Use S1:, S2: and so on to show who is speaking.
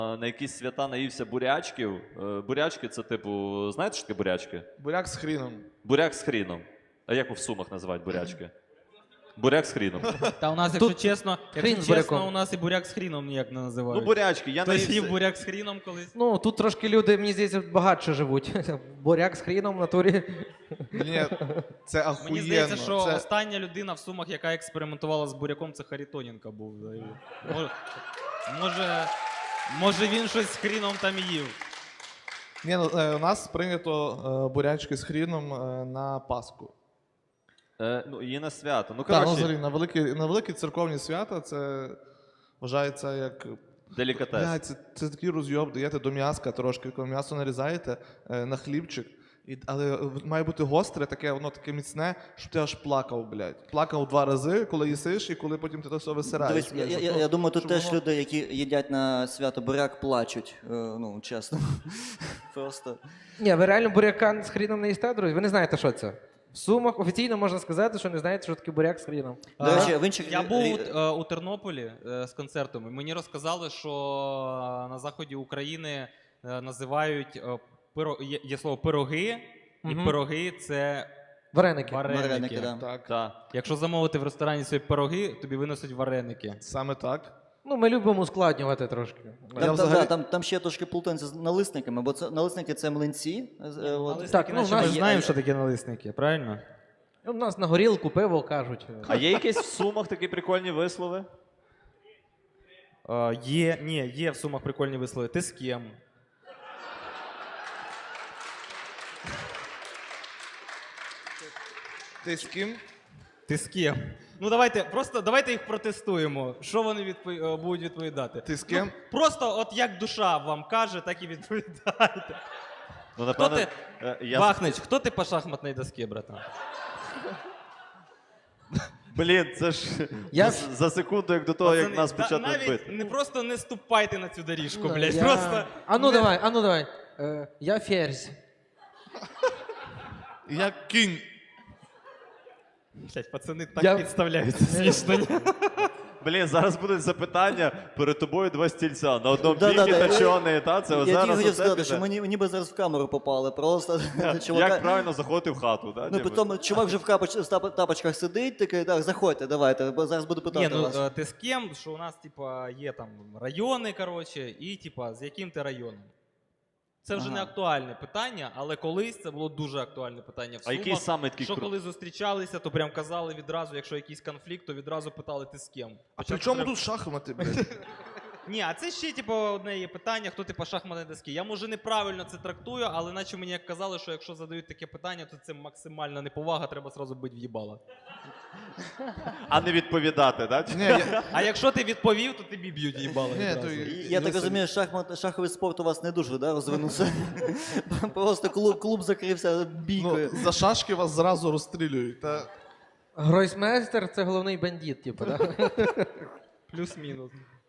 S1: На якісь свята наївся бурячків. Бурячки це типу, знаєте, що таке бурячки?
S2: Буряк з хріном.
S1: Буряк з хріном. А як в Сумах називають бурячки? Буряк з хріном.
S3: Та у нас, якщо чесно,
S4: хрін з буряком.
S3: у нас і буряк з хріном ніяк не називають.
S1: Ну бурячки, я
S3: Хтось їв
S1: наївся.
S3: буряк з хріном колись?
S4: Ну, тут трошки люди, мені здається, багатше живуть. Буряк з хріном в натурі.
S2: Ні, це ахуєнно.
S3: Мені здається, що
S2: Це-
S3: остання людина в Сумах, яка експериментувала з буряком, це Харитоненко був. Може він щось з хріном там їв.
S2: Ні, ну, у нас прийнято бурячки з хріном на Пасху.
S1: Ну, і на свято. Ну,
S2: Так, ну,
S1: коротше,
S2: взагалі, на великі церковні свята це вважається як...
S1: делікатес.
S2: Бля, це такий розйоб, даєте до м'яска трошки, коли м'ясо нарізаєте на хлібчик. Але має бути гостре, таке, воно таке міцне, щоб ти аж плакав, блядь. Плакав 2 рази, коли їсиш, і коли потім ти то все висираєш.
S5: Дивись, я думаю, тут теж люди, які їдять на свято буряк, плачуть. Ну, чесно. Просто.
S4: Ні, ви реально буряка з хріном не їсте, друзі? Ви не знаєте, що це? В Сумах офіційно можна сказати, що не знаєте, що таке буряк з хріном.
S5: До речі, в інших...
S3: Я був у Тернополі з концертом, і мені розказали, що на заході України називають є слово пироги, і пироги це
S4: Вареники.
S5: Вареники, да.
S2: Так,
S1: Так.
S3: Якщо замовити в ресторані свої пироги, тобі виносять вареники.
S2: саме так.
S4: Ну, ми любимо ускладнювати трошки.
S5: Там ще трошки плутанці з налисниками, бо налисники це млинці.
S4: Так, ну,
S3: Наче
S4: в
S3: ми
S4: нас-
S3: знаємо, що таке налисники, правильно?
S4: У нас на горілку пиво кажуть.
S1: А є якісь в Сумах такі прикольні вислови?
S3: Є в Сумах прикольні вислови. Ти з ким?
S2: Ти з ким?
S3: Ти з ким? Ну давайте їх протестуємо. Що вони будуть відповідати?
S2: Ти з ким?
S3: Ну, просто от як душа вам каже, так і відповідайте.
S1: Ну,
S3: Хто
S1: напевно,
S3: ти?
S1: я...
S3: Бахнич, хто ти по шахматній доскі, братан?
S1: Блін, це ж
S4: Я-
S1: за секунду, як до того, як нас почати
S3: навіть
S1: бити.
S3: не просто не ступайте на цю доріжку, блядь.
S4: Я-
S3: Просто
S4: Ану давай. Я ферзь.
S2: Я кінь.
S3: блядь, пацани так
S4: Я-
S3: підставляються смішно. ні?
S1: Блін, зараз будуть запитання, перед тобою 2 стільця. На одному
S5: Да-да-да.
S1: бігі точоний, та? Це
S5: Я тільки
S1: зараз
S5: хотів
S1: оце
S5: сказати,
S1: піде.
S5: що ми ніби зараз в камеру попали. Просто
S1: Як
S5: чувака...
S1: правильно заходити в хату, так?
S5: Ну, потім чувак вже в тапочках сидить, такий, так, заходьте, давайте, бо зараз буду питати
S3: Ні,
S5: вас.
S3: ну ти з ким? Що у нас, типа, є там райони, коротше, і типа, з яким ти районом? Це вже не актуальне питання, але колись це було дуже актуальне питання в
S1: А
S3: Сумах.
S1: який саме такий
S3: Що коли зустрічалися, то прям казали відразу, якщо якийсь конфлікт, то відразу питали, ти з ким?
S2: А при
S3: Спочатку
S2: чому
S3: треба-
S2: тут шахмати, блядь?
S3: Ні, а це ще типу, одне є питання, хто типу шахматні доски. Я може неправильно це трактую, але наче мені як казали, що якщо задають таке питання, то це максимальна неповага, треба зразу бити в їбало.
S1: А не відповідати, так?
S2: Ні, я...
S3: А якщо ти відповів, то тобі б'ють їбало.
S2: Ні,
S3: відразу.
S2: то
S5: Я так розумію, шаховий спорт у вас не дуже, да, розвинувся? Просто клуб закрився бійкою.
S2: Ну, за шашки вас зразу розстрілюють. Та...
S4: Гройсмейстер – це головний бандит, типу, так?
S3: Плюс-мінус.